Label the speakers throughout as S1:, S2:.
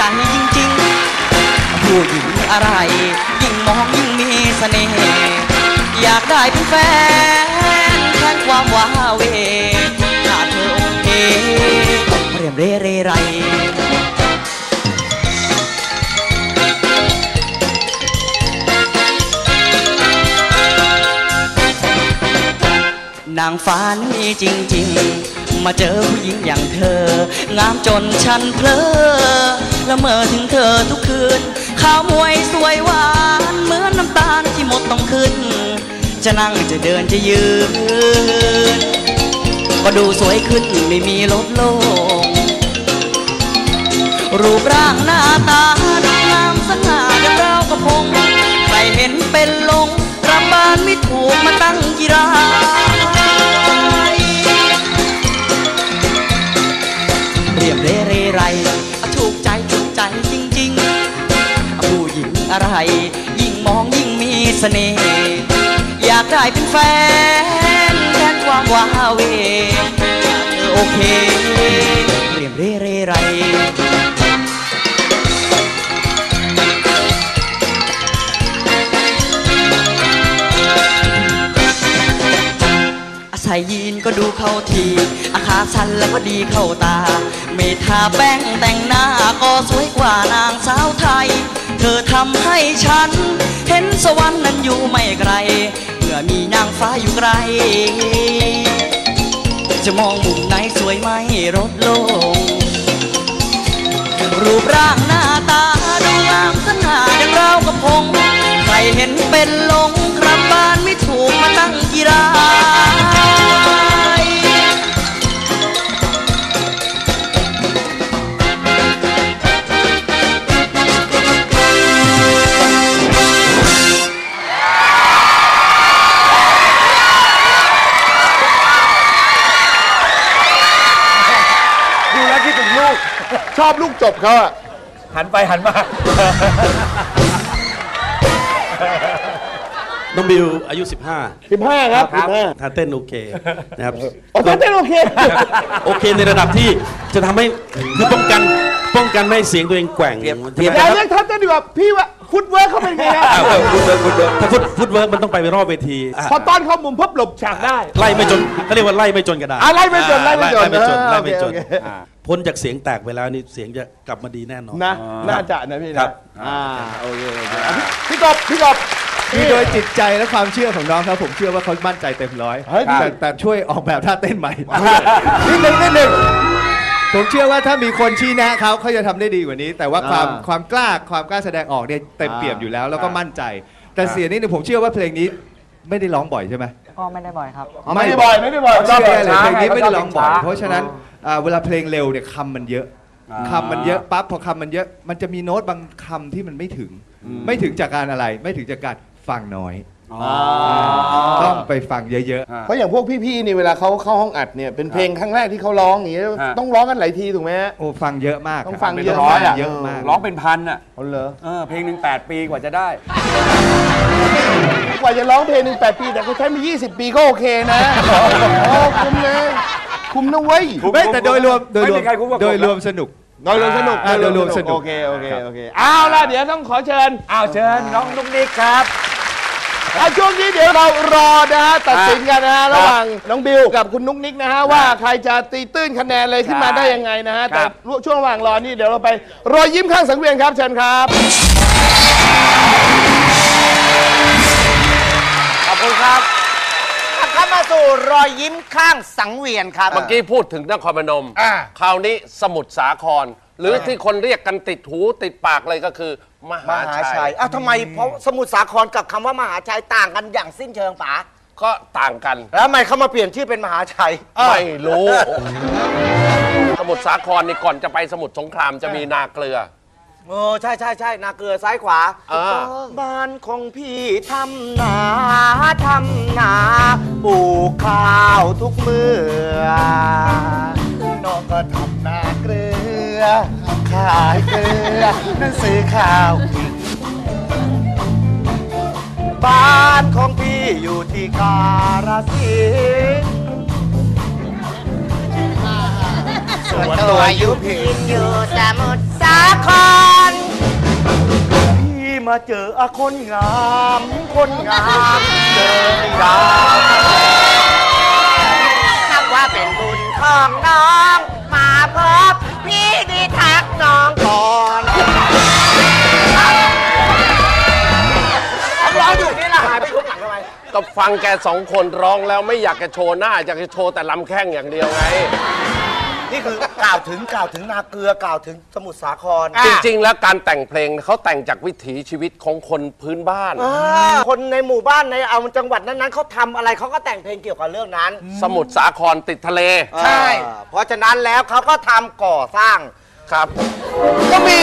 S1: จริงๆผู้หญิงอะไรยิ่งมองยิ่งมีเสน่ห์อยากได้เป็นแฟนแทนความว้าเวถ้าเธอโอเคเรียมเร่เร่ไรนางฟ้านี่จริงๆมาเจอผู้หญิงอย่างเธองามจนฉันเพลอละเมอถึงเธอทุกคืนข้าวมวยสวยหวานเหมือนน้ำตาลที่หมดต้องขึ้นจะนั่งจะเดินจะยืนก็ดูสวยขึ้นไม่มีลดลงรูปร่างหน้าตาดูงามสง่าดังเรากระพงใครเห็นเป็นลงรำบานไม่ถูกมาตั้งกีฬาเรียบเร่เร่ไรถูกใจจริงๆผู้หญิงอะไรยิ่งมองยิ่งมีเสน่ห์อยากได้เป็นแฟนแทนความว้าเวถ้าเธอโอเคเรียบเร่เร่ไรใส่ยีนก็ดูเข้าทีอาขาสั้นแล้วก็ดีเข้าตาไม่ทาแป้งแต่งหน้าก็สวยกว่านางสาวไทยเธอทำให้ฉันเห็นสวรรค์นั้นอยู่ไม่ไกลเมื่อมีนางฟ้าอยู่ไกลจะมองมุมไหนสวยไม่ลดลงรูปร่างหน้าตาดูงามสง่าดังเรากระพงใครเห็นเป็นลงกลับบ้านไม่ถูกมาตั้งกีฬา
S2: ดูแล้วคิดถึงลูกชอบลูกจบเขาอะหันไปหันมา
S3: น้องบิวอายุ
S2: 15ครับ
S3: ท่าเต้นโอเคนะครับ
S2: ท่าเต้นโอเค
S3: โอเคในระดับที่จะทำให้คือป้องกันไม่ให้เสียงตัวเองแกว่ง
S2: อย่าเรียกท่าเต้นดีกว่าพี่ว่าฟุตเวิร์กเขาเป็นไงฮะ
S3: ถ้าฟุตเวิร์กมันต้องไปรอบเวที
S2: พอตอนเข้ามุมพับหลบฉากได้
S3: ไล่ไม่จนเขาเรียกว่าไล่ไม่จนกระดาษ
S2: ไล่ไม่จน
S3: พ้นจากเสียงแตกไปแล้วนี่เสียงจะกลับมาดีแน่นอน
S2: นะน่าจะนะพี่นะโอเคพี่กบ
S4: คือโดยจิตใจและความเชื่อของน้องครับผมเชื่อว่าเขามั่นใจเต็มร้อยแต่ช่วยออกแบบท่าเต้นใหม่นิดนึงผมเชื่อว่าถ้ามีคนชี้แนะเขาจะทำได้ดีกว่านี้แต่ว่าความกล้าแสดงออกเนี่ยเต็มเปี่ยมอยู่แล้วแล้วก็มั่นใจแต่เสียงนี้ผมเชื่อว่าเพลงนี้ไม่ได้ร้องบ่อยใช่ไหม
S1: ก็ไม่ได้บ่อยครับ
S2: ไม่ได้บ่อย
S4: เชื่อเลยเพลงนี้ไม่ได้ร้องบ่อยเพราะฉะนั้นเวลาเพลงเร็วเนี่ยคำมันเยอะปั๊บพอคำมันเยอะมันจะมีโน้ตบางคำที่มันไม่ถึงจากการอะไรไม่ถึงจากการฟังน้อยต้องไปฟังเยอะ
S2: ๆเพราะอย่างพวกพี่ๆนี่เวลาเขาเข้าห้องอัดเนี่ยเป็นเพลงครั้งแรกที่เขาร้องอย่างนี้ต้องร้องกันหลายทีถูกไหม
S4: โอ้ฟังเยอะมาก
S2: ต้องฟังเยอะมาก
S5: ร้องเป็นพันอ่ะ
S2: เหรอ
S5: เพลงหนึ่ง8 ปีกว่าจะได้
S2: กว่าจะร้องเพลงหนึ่ง8 ปีแต่เขาใช้มา20 ปีก็โอเคนะคุ้มนะคุ้มนะเว้ย
S4: แต่โดยรวมสนุก
S2: โอเคเอาล่ะเดี๋ยวต้องขอเชิญ
S5: น้องนุ๊กนิกครับ
S2: ช่วงนี้เดี๋ยวเรารอนะฮะตัดสินกันนะฮะระหว่างน้องบิวกับคุณนุ๊กนิกนะฮะว่าใครจะตีตื้นคะแนนเลยขึ้นมาได้ยังไงนะฮะแต่ช่วงระหว่างรอนี่เดี๋ยวเราไปรอยยิ้มข้างสังเวียนครับเชิญครับ
S6: ขอบคุณครับเข้ามาสู่รอยยิ้มข้างสังเวียนครับ
S5: เมื่อกี้พูดถึงนครพนมคราวนี้สมุทรสาครหรือที่คนเรียกกันติดหูติดปากเลยก็คือมหาชัย
S6: ทำไมเพราะสมุทรสาครกับคำว่ามหาชัยต่างกันอย่างสิ้นเชิงป๋า
S5: ก็ต่างกัน
S6: แล้วทำไมเขามาเปลี่ยนชื่อเป็นมหาชัย
S5: ไม่รู้สมุทรสาครนี่ก่อนจะไปสมุทรสงครามจะมีนาเกลือ
S6: ใช่นาเกลือซ้ายขวาบ้านของพี่ทำนาปลูกข้าวทุกมื้อน้องก็ทำนาเกลือขายเกลือนั่นซื้อข้าวบ้านของพี่อยู่ที่กาฬสินธุ์ส่วนตัวอยู่พินอยู่สมุทรสาาครพี่มาเจอคนงามคนงามเจอดาวนับว่าเป็นบุญของน้องมาพบพี่ดีทักน้องก่อนร้องอยู่นี่แหละหายไปทุกหลังทำไม
S5: ก็ฟังแกสองคนร้องแล้วไม่อยากจะโชว์หน้าอยากจะโชว์แต่ลำแข้งอย่างเดียวไง
S6: นี่คือกล่าวถึงนาเกลือกล่าวถึงสมุทรสาคร
S5: จริงๆแล้วการแต่งเพลงเขาแต่งจากวิถีชีวิตของคนพื้นบ้าน
S6: คนในหมู่บ้านในเอาจังหวัดนั้นๆเขาทำอะไรเขาก็แต่งเพลงเกี่ยวกับเรื่องนั้น
S5: สมุทรสาครติดทะเล
S6: ใช่เพราะฉะนั้นแล้วเขาก็ทำก่อสร้าง
S5: ครับ
S6: ก็มี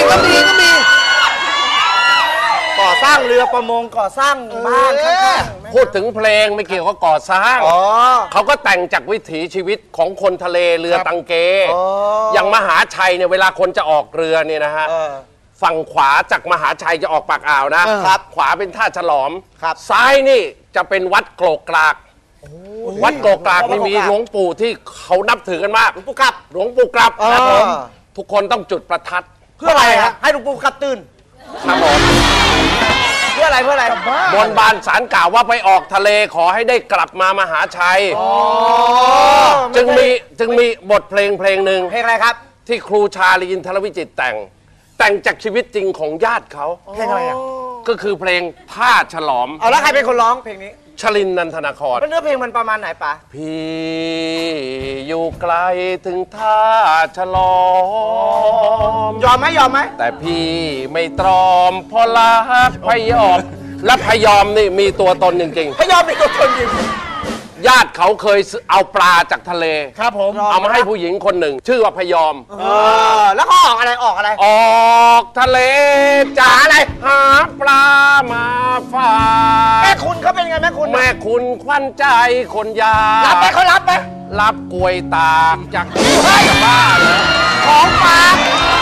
S6: ก่อสร้างเรือประมงก่อสร้างบ้านข้างๆ
S5: พูดถึงเพลงไม่เกี่ยวกับก่อสร้างเขาก็แต่งจากวิถีชีวิตของคนทะเลเรือตังเกอย่างมหาชัยเนี่ยเวลาคนจะออกเรือเนี่ยนะฮะฝั่งขวาจากมหาชัยจะออกปากอ่าวนะครับขวาเป็นท่าฉลอมซ้ายนี่จะเป็นวัดโกรกกรากวัดโกรกกรากนี่มีหลวงปู่ที่เขานับถือกันมากหลวงปู่กลับนะผมทุกคนต้องจุดประทัด
S6: เพื่ออะไรฮะให้หลวงปู่กลับตื่น
S5: ครับผม
S6: เพื่ออะไร
S5: บนบานศาลกล่าวว่าไปออกทะเลขอให้ได้กลับมามหาชัยจึงมีบทเพลงหนึ่ง
S6: เพลงอะไรครับ
S5: ที่ครูชาลีอินทรวิจิตรแต่งจากชีวิตจริงของญาติเขา
S6: เพลงอะไรอ่ะ
S5: ก็คือเพลงท่าฉลอม
S6: แล้วใครเป็นคนร้องเพลงนี้
S5: ชลินนันทนาคร
S6: เนื้อเพลงมันประมาณไหนปะ
S5: พี่อยู่ไกลถึงท่าฉลอม
S6: ยอมไหม
S5: แต่พี่ไม่ตรอมเพราะรักพยอมและพยอมนี่มีตัวตนจริง
S6: ๆพยอมมีตัวตนจริง
S5: ญาติเขาเคยเอาปลาจากทะเล
S6: ครับผม
S5: เอามาให้ผู้หญิงคนหนึ่งชื่อว่าพยอม
S6: แล้วก็ออกอะไรอ
S5: อกทะเลจ๋าอะไรหาปลามาฝาก
S6: แม่คุณเขาเป็นไงแม่
S5: คุณขวัญใจคนยา
S6: รับไหมเขารับไหม
S5: รับกล้วยตากจากบ้าน
S6: ของฝาก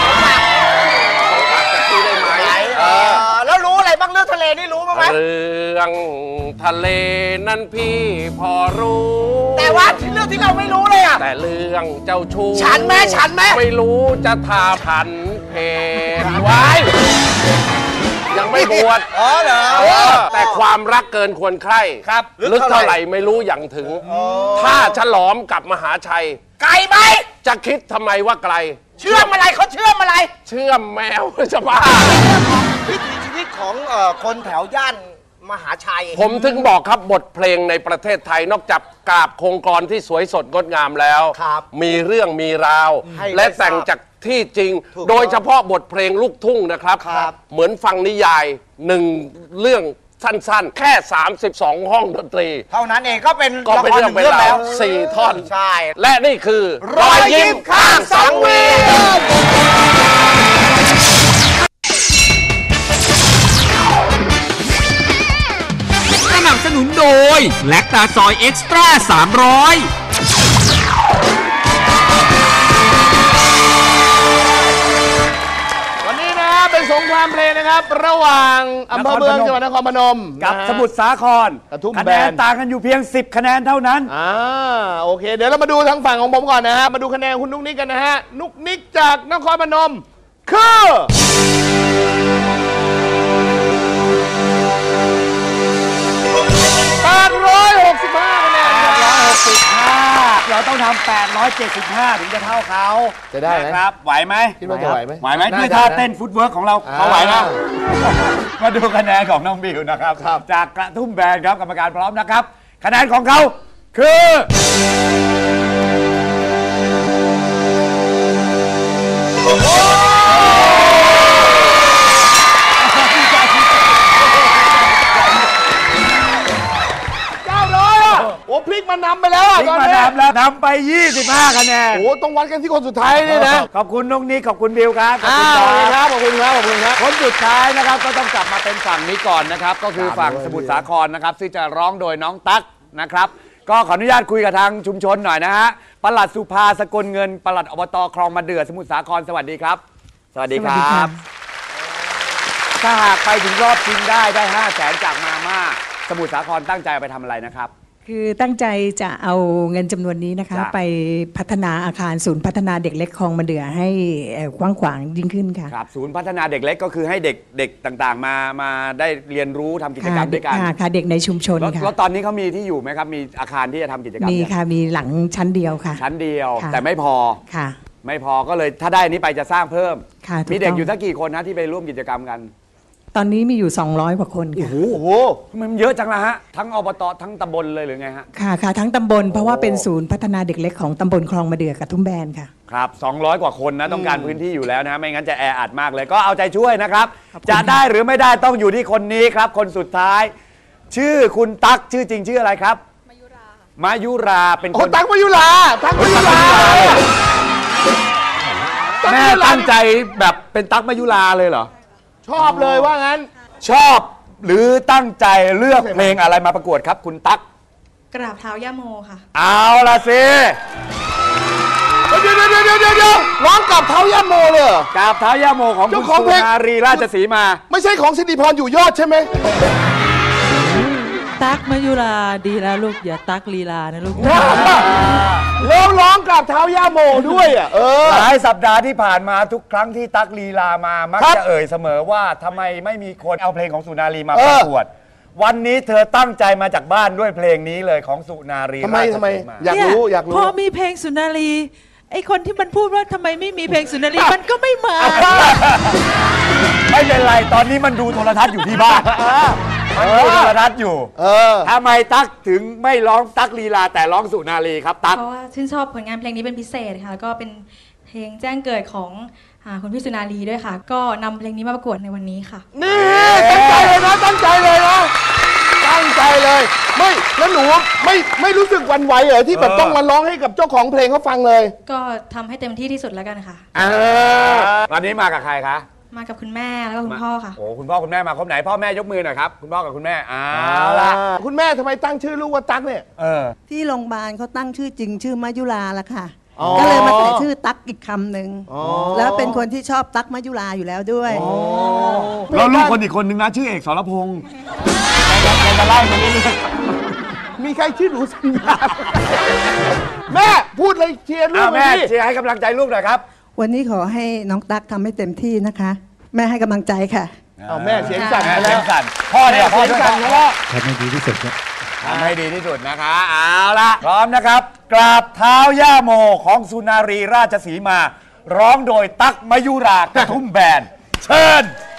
S5: แล้ว
S6: รู้อะไรบ้างเรื่องทะเลนี่รู้บ้างไหม
S5: เรื่องทะเลนั้นพี่พอรู้
S6: แต่ว่าเรื่องที่เราไม่รู้เลยอะ
S5: แต่เรื่องเจ้าชู้
S6: ฉันไหม
S5: ไม่รู้จะทาผันเพศไว้ยังไม่บวช
S6: เหรอ
S5: แต่ความรักเกินควรใคร่
S6: ครับ
S5: ลึกเท่าไหร่ไม่รู้อย่างถึงถ้าฉลอมกับมหาชัย
S6: ไกลไหม
S5: จะคิดทำไมว่าไกล
S6: เชื่อมอะไรเขาเชื่อมอะไร
S5: เชื่อมแมวจะบ้า
S6: วิถีชีวิตของคนแถวย่านมหาชัย
S5: ผมถึงบอกครับบทเพลงในประเทศไทยนอกจากกาบโครงกรที่สวยสดงดงามแล้วมีเรื่องมีราวและแต่งจากที่จริงโดยเฉพาะบทเพลงลูกทุ่งนะครับเหมือนฟังนิยายหนึ่งเรื่องสั้นๆแค่32ห้องดนตรี
S6: เท่านั้นเองก็เป็น
S5: เรื่องเป็นราว4ท่อน
S6: ใช่
S5: และนี่คือ
S6: รอยยิ้มข้างสังเวียน
S7: สนับสนุนโดยแลคตาซอยเอ็กซ์ตร้า300
S2: วันนี้นะเป็นสงครามเพลงนะครับระหว่างอำเภอเมืองจังหวัดนครพนม
S8: กับสมุทรสาครคะแนนต่างกันอยู่เพียง10คะแนนเท่านั้น
S2: โอเคเดี๋ยวเรามาดูทางฝั่งของผมก่อนนะฮะมาดูคะแนนคุณนุ๊กนิกกันนะฮะนุ๊กนิกจากนครพนมคือ865คะแนน
S8: 865เราต้องทำ875ถึงจะเท่าเขา
S2: จะได้ไหม
S8: ครับไหวไหม
S2: คิดว่าจะไหวไหม
S8: ด้วยท่าเต้นฟุตเวิร์กของเราเขาไหวนะมาดูคะแนนของน้องบิวนะครับจากกระทุ่มแบนครับกรรมการพร้อมนะครับคะแนนของเขาคือ
S2: พลิกมานำไปแล้ว
S8: ตอนนี้นำไป25คะแนน
S2: ต้องวัดกันที่คนสุดท้ายนี่นะ
S8: ขอบคุณน้องนิกขอบคุณบิวครับ
S2: ขอบคุณครับขอบคุณครับ
S8: คนสุดท้ายนะครับก็ต้องกลับมาเป็นฝั่งนี้ก่อนนะครับก็คือฝั่งสมุทรสาครนะครับที่จะร้องโดยน้องตั๊กนะครับก็ขออนุญาตคุยกับทางชุมชนหน่อยนะฮะปลัดสุภาสกลเงินปลัดอบตคลองมะเดื่อสมุทรสาครสวัสดีครับ
S6: สวัสดีครับ
S8: ถ้าหากไปถึงรอบชิงได้500,000จากมาม่าสมุทรสาครตั้งใจไปทำอะไรนะครับ
S9: คือตั้งใจจะเอาเงินจำนวนนี้นะคะไปพัฒนาอาคารศูนย์พัฒนาเด็กเล็กคลองมะเดื่อให้กว้างขวางยิ่งขึ้นค่ะ
S8: ครับศูนย์พัฒนาเด็กเล็กก็คือให้เด็กต่างๆมาได้เรียนรู้ทำกิจกรรมด้วยกัน
S9: ค่ะเด็กในชุมชนค่ะ
S8: แล้วตอนนี้เขามีที่อยู่ไหมครับมีอาคารที่จะทำกิจกรรม
S9: มีค่ะมีหลังชั้นเดียวค่ะ
S8: ชั้นเดียวแต่ไม่พอ
S9: ค่ะ
S8: ไม่พอก็เลยถ้าได้นี้ไปจะสร้างเพิ่มมีเด็กอยู่สักกี่คนนะที่ไปร่วมกิจกรรมกัน
S9: ตอนนี้มีอยู่200กว่าคนค่ะ
S8: โอ้โหมันเยอะจังละฮะทั้งอบตทั้งตำบลเลยหรือไงฮะ
S9: ค่ะทั้งตำบลเพราะว่าเป็นศูนย์พัฒนาเด็กเล็กของตำบลคลองมะเดื่อกระทุ่มแบนค่ะ
S8: ครับ200กว่าคนนะต้องการพื้นที่อยู่แล้วนะไม่งั้นจะแออัดมากเลยก็เอาใจช่วยนะครับจะได้หรือไม่ได้ต้องอยู่ที่คนนี้ครับคนสุดท้ายชื่อคุณตั๊กชื่อจริงชื่ออะไรครับมายุราเป็นคน
S2: ตั๊กมายุรา
S8: แม่ตั้งใจแบบเป็นตั๊กมายุราเลยเหรอ
S2: ชอบเลยว่างั้น
S8: ชอบหรือตั้งใจเลือกเพลงอะไรมาประกวดครับคุณตั๊ก
S10: กราบเท้าย่าโมค่ะ
S8: เอาละสิ
S2: เดี๋ยวร้องกับเท้าย่าโมเลย
S8: กราบเท้าย่าโมของคุณสุนารีราชสีมา
S2: ไม่ใช่ของสิริพรอยู่ยอดใช่ไหม
S11: ตั๊กมายุราดีแล้วลูกอย่าตั๊กลีลานะลูก
S2: ร้องกับเท้าย่าโมด้วย
S8: หลายสัปดาห์ที่ผ่านมาทุกครั้งที่ตั๊กลีลามามักจะเอ่ยเสมอว่าทำไมไม่มีคนเอาเพลงของสุนารีมาประกวดวันนี้เธอตั้งใจมาจากบ้านด้วยเพลงนี้เลยของสุนารี
S2: ทำไมอยากรู้
S11: พอมีเพลงสุนารีไอคนที่มันพูดว่าทำไมไม่มีเพลงสุนารีมันก็ไม่มา
S8: ไม่เป็นไรตอนนี้มันดูโทรทัศน์อยู่ที่บ้านมันดูโทรทัศน์อยู่ทำไมตั๊กถึงไม่ร้องตั๊กลีลาแต่ร้องสุนารีครับตั๊ก
S10: เพราะว่าชื่นชอบผลงานเพลงนี้เป็นพิเศษค่ะก็เป็นเพลงแจ้งเกิดของคุณพี่สุนารีด้วยค่ะก็นำเพลงนี้มาประกวดในวันนี้ค่ะ
S2: นี่ตั้งใจเลยนะตั้งใจเลยไม่แล้วหนูไม่รู้สึกวันไหวเหรอที่แบบต้องมาร้องให้กับเจ้าของเพลงเขาฟังเลย
S10: ก็ทำให้เต็มที่ที่สุดแล้วกันค่ะ
S8: ตอนนี้มากับใครคะ
S10: มากับคุณแม่แล้วก็คุณพ่อค่ะ
S8: โอ้คุณพ่อคุณแม่มาครบไหนพ่อแม่ยกมือหน่อยครับคุณพ่อกับคุณแม่
S2: ละคุณแม่ทำไมตั้งชื่อลูกว่าตั๊กเนี่ย
S12: ที่โรงพยาบาลเขาตั้งชื่อจริงชื่อมายุราละค่ะก็เลยมาใส่ชื่อตั๊กอีกคำหนึ่งแล้วเป็นคนที่ชอบตั๊กมายุราอยู่แล้วด้วย
S8: แล้วลูกคนอีกคนนึงนะชื่อเอกสรพงษ์จะไล่มาเรื่อย
S2: มีใครชื่อหนูสัญญาแม่พูดเลยเชียร์ลูก
S8: แม่เชียร์ให้กำลังใจลูกหน่อยครับ
S12: วันนี้ขอให้น้องตั๊กทำให้เต็มที่นะคะแม่ให้กำลังใจค่ะ
S2: แม่เสียงสั่น
S8: เสียงสั่นพ่อเนี่ยพ่อสั่น
S4: แล้วทำให้ดีที่สุด
S8: ทำให้ดีที่สุดนะคะเอาละพร้อมนะครับกราบเท้าย่าโมของสุนารีราชสีมาร้องโดยตั๊กมยุรากระทุ่มแบนเชิญ